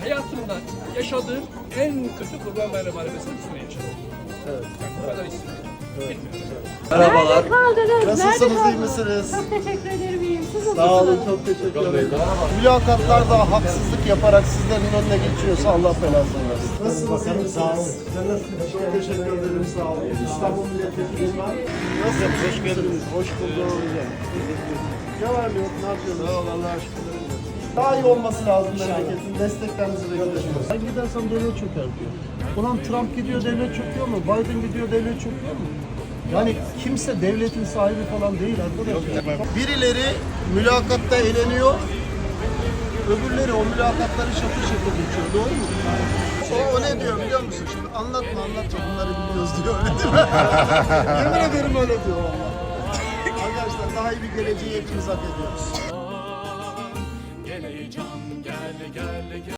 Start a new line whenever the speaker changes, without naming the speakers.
hayatımda yaşadığım en kötü Kurban Bayramı arabasını üstüne yaşadım.
Evet.
Yani bu kadar istedim.
Merhabalar.
Nerede kaldınız?
Nasılsınız,
Nerede
iyi
kaldınız?
misiniz?
Çok teşekkür ederim, iyiyim. Siz
Sağ
nasılsınız?
olun, çok teşekkür ederim. Mülakatlarda haksızlık yaparak sizlerin önüne geçiyorsa Allah belasını versin. Nasılsınız, iyi misiniz? Sağ olun. Çok teşekkür ederim, sağ olun. İstanbul Milletvekili ben. Nasılsınız? Hoş geldiniz. Hoş bulduk. Ne var ne yok, ne yapıyorsunuz? Sağ olun, Allah'a şükür. Daha iyi olması lazım memleketin. Desteklerinizi bekliyoruz. Ben gidersem devlet çöker diyor. Ulan Trump gidiyor, devlet çöküyor mu? Biden gidiyor, devlet çöküyor mu? Yani kimse devletin sahibi falan değil arkadaşlar. Birileri mülakatta eğleniyor, öbürleri o mülakatları şakır şakır geçiyor. Doğru mu? O ne diyor biliyor musun? Şimdi anlatma bunları biliyoruz diyor. Öyle değil mi? Yemin ederim öyle diyor valla. Arkadaşlar daha iyi bir geleceği hepimiz hak ediyoruz.